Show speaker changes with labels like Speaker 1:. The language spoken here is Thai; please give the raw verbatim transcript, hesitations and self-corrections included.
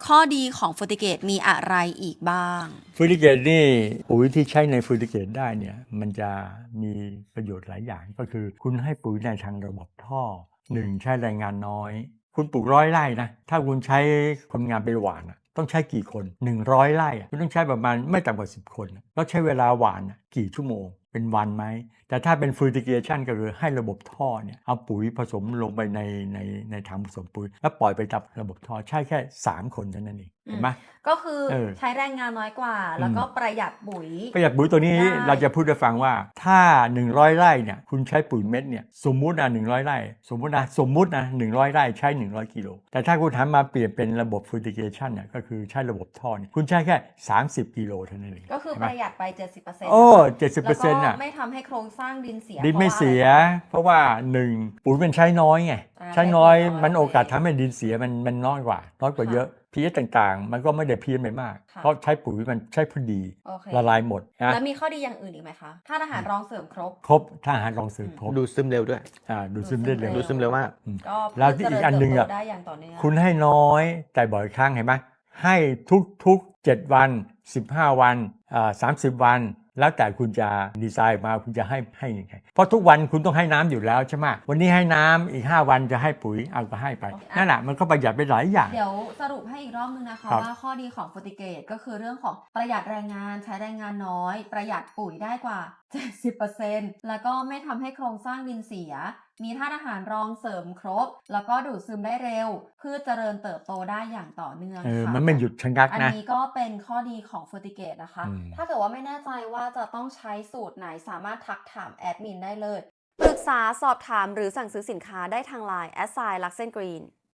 Speaker 1: ข้อดีของฟูติเกตมีอะไรอีกบ้าง
Speaker 2: ฟูติเกตนี่ปุ๋ยที่ใช้ในฟูติเกตได้เนี่ยมันจะมีประโยชน์หลายอย่างก็คือคุณให้ปุ๋ยในทางระบบท่อหนึ่งใช้แรงงานน้อยคุณปลูกร้อยไร่นะถ้าคุณใช้คนงานไปหว่านต้องใช้กี่คนหนึ่งร้อยไร่คุณต้องใช้ประมาณไม่ต่ำกว่าสิบคนแล้วใช้เวลาหว่านกี่ชั่วโมงเป็นวันไหมแต่ถ้าเป็นฟูติเกชันก็คือให้ระบบท่อเนี่ยเอาปุ๋ยผสมลงไปในในในถังผสมปุ๋ยแล้วปล่อยไปตับระบบท่อใช่แค่สามคนเท่านั้นเองเห็นไหม
Speaker 1: ก็คือใช้แรงงานน้อยกว่าแล้วก็ประหยัดปุ๋ย
Speaker 2: ประหยัดปุ๋ยตัวนี้เราจะพูดให้ฟังว่าถ้าหนึ่งร้อยไร่เนี่ยคุณใช้ปุ๋ยเม็ดเนี่ยสมมุตินะหนึ่งร้อยไร่สมมุตินะสมมุตินะหนึ่งร้อยไร่ใช้หนึ่งร้อยกิโลแต่ถ้าคุณทำมาเปลี่ยนเป็นระบบฟูติเกชันเนี่ยก็คือใช้ระบบท่อเนี่ยคุณใช้แค่สามสิบกิโลเท่านั้นเอง
Speaker 1: ก็คือประหยัดไป เจ็ดสิบเปอร์เซ็นต์
Speaker 2: โอ้ เจ็ดสิบเปอร์เซ็นต์ น่ะ
Speaker 1: ไม่ทำให้โครงสร้างดินเสีย
Speaker 2: ดินไม่เสียเพราะว่าหนึ่งปุ๋ยมันใช้น้อยไงใช้น้อยมันโอกาสทำให้ดินเสียมันมันน้อยกว่าน้อยกว่าเยอะพีเอชต่างๆมันก็ไม่ได้เพี้ยนไปมากเพราะใช้ปุ๋ยมันใช้พอดีละลายหมดนะ
Speaker 1: แล้วมีข้อดีอย่างอื่นอีกไหมคะถ้าอาหารรองเสริมครบ
Speaker 2: ครบถ้าอาหารรองเสริมครบ
Speaker 3: ดูดซึมเร็วด้วย
Speaker 2: อ่าดูดซึมได้เร็ว
Speaker 3: ดูดซึมเร็วมาก
Speaker 2: แล้วอีกอันหนึ่งอ่ะคุณให้น้อยแต่บ่อยครั้งเห็นไหมให้ทุกๆเจ็ดวันสิบห้าวันอ่าสามสิบวันแล้วแต่คุณจะดีไซน์มาคุณจะให้ให้ยังไงเพราะทุกวันคุณต้องให้น้ำอยู่แล้วใช่ไหมวันนี้ให้น้ำอีกห้าวันจะให้ปุ๋ยเอาก็ให้ไปนั่นแหละมันก็ประหยัดไปหลายอย่าง
Speaker 1: เดี๋ยวสรุปให้อีกรอบนึงนะคะว่าข้อดีของฟูติเกตก็คือเรื่องของประหยัดแรงงานใช้แรงงานน้อยประหยัดปุ๋ยได้กว่า เจ็ดสิบเปอร์เซ็นต์ แล้วก็ไม่ทำให้โครงสร้างดินเสียมีธาตุอาหารรองเสริมครบแล้วก็ดูดซึมได้เร็วพืชเจริญเติบโตได้อย่างต่อเนื่อง
Speaker 2: ค่ะมันไม่หยุดชะงักนะ
Speaker 1: อันนี้ก็เป็นข้อดีของฟูติเกตนะคะถ้าเกิดว่าไม่แน่ใจว่าจะต้องใช้สูตรไหนสามารถทักถามแอดมินได้เลยปรึกษาสอบถามหรือสั่งซื้อสินค้าได้ทาง ไลน์ แอท ไซน์ ลักเซนกรีน